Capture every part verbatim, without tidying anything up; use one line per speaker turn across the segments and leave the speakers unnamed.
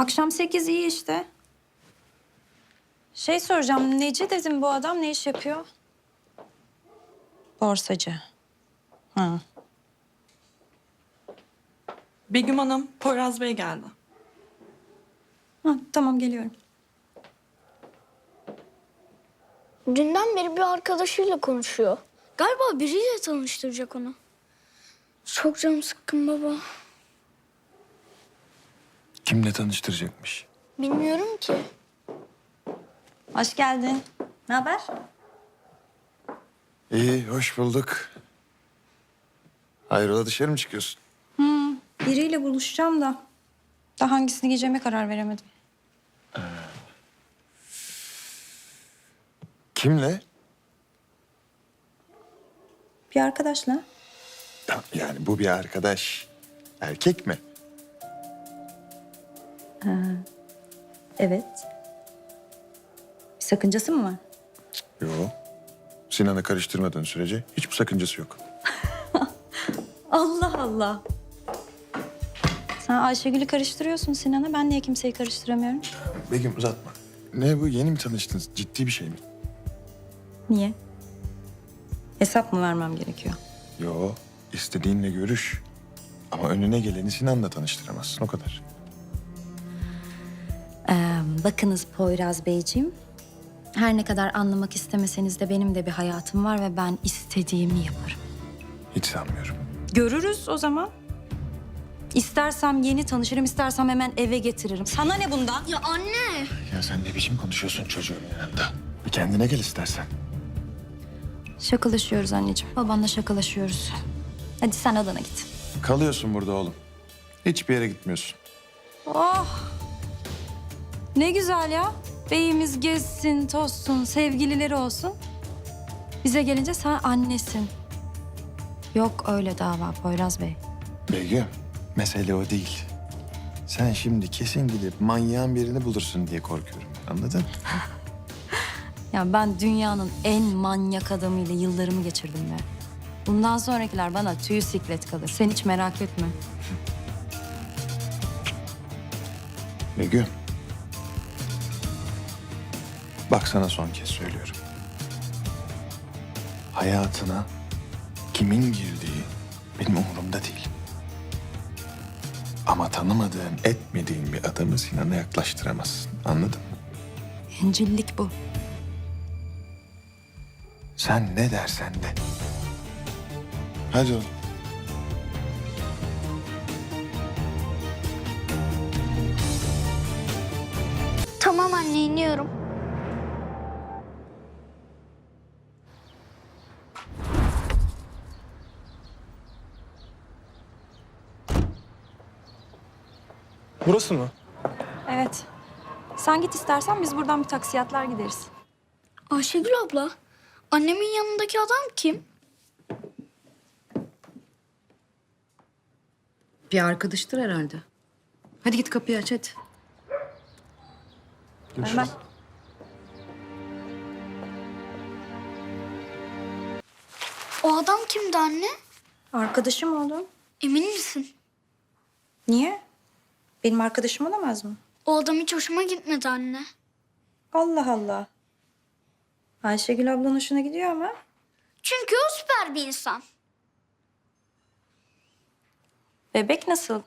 Akşam sekiz iyi işte. Şey soracağım, neci dedim bu adam ne iş yapıyor? Borsacı. Ha.
Begüm Hanım, Poyraz Bey geldi.
Ha, tamam geliyorum.
Dünden beri bir arkadaşıyla konuşuyor. Galiba biriyle tanıştıracak onu. Çok canım sıkkın baba.
Kimle tanıştıracakmış?
Bilmiyorum ki.
Hoş geldin. Ne haber?
İyi, hoş bulduk. Hayrola dışarı mı çıkıyorsun?
Biriyle buluşacağım da daha hangisini giyeceğime karar veremedim.
Kimle?
Bir arkadaşla.
Ya, yani bu bir arkadaş. Erkek mi?
Evet. Bir sakıncası mı var?
Yok. Sinan'ı karıştırmadığın sürece hiçbir sakıncası yok.
Allah Allah. Sen Ayşegül'ü karıştırıyorsun Sinan'a. Ben niye kimseyi karıştıramıyorum?
Begüm uzatma. Ne bu, yeni mi tanıştınız? Ciddi bir şey mi?
Niye? Hesap mı vermem gerekiyor?
Yo, istediğinle görüş. Ama önüne geleni Sinan'la tanıştıramazsın, o kadar.
Ee, bakınız Poyraz Beyciğim. Her ne kadar anlamak istemeseniz de benim de bir hayatım var ve ben istediğimi yaparım.
Hiç sanmıyorum.
Görürüz o zaman. İstersem yeni tanışırım, istersem hemen eve getiririm. Sana ne bundan?
Ya anne.
Ya sen ne biçim konuşuyorsun çocuğun yanında? Bir kendine gel istersen.
Şakalaşıyoruz anneciğim. Babanla şakalaşıyoruz. Hadi sen odana git.
Kalıyorsun burada oğlum. Hiçbir yere gitmiyorsun.
Oh! Ne güzel ya. Beyimiz gezsin, tozsun, sevgilileri olsun. Bize gelince sen annesin. Yok öyle dava Poyraz Bey.
Begüm, mesele o değil. Sen şimdi kesin gidip manyağın birini bulursun diye korkuyorum. Anladın?
Ya ben dünyanın en manyak adamıyla yıllarımı geçirdim be. Bundan sonrakiler bana tüy siklet kalır. Sen hiç merak etme.
Begüm. Bak sana son kez söylüyorum. Hayatına kimin girdiği benim umurumda değil. Ama tanımadığın, etmediğin bir adamı Sinan'a yaklaştıramazsın. Anladın mı?
Bencillik bu.
Sen ne dersen de. Hadi oğlum.
Tamam anne iniyorum.
Burası mı?
Evet. Sen git istersen biz buradan bir taksiyatlar gideriz.
Ayşegül abla. Annemin yanındaki adam kim?
Bir arkadaştır herhalde. Hadi git kapıyı aç hadi.
Hemen.
O adam kimdi anne?
Arkadaşım oğlum.
Emin misin?
Niye? Benim arkadaşım olamaz mı?
O adam hiç hoşuma gitmedi anne.
Allah Allah. Ayşegül ablanın hoşuna gidiyor ama.
Çünkü o süper bir insan.
Bebek nasıl?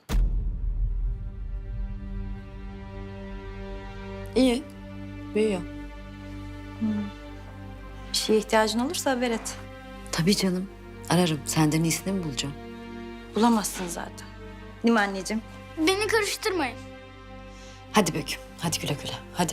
İyi. Büyüyor.
Bir şeye ihtiyacın olursa haber et.
Tabii canım. Ararım. Senden iyisini mi bulacağım?
Bulamazsın zaten. Değil mi anneciğim?
Beni karıştırmayın.
Hadi Böküm. Hadi güle güle. Hadi.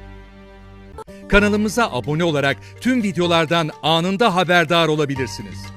Kanalımıza abone olarak tüm videolardan anında haberdar olabilirsiniz.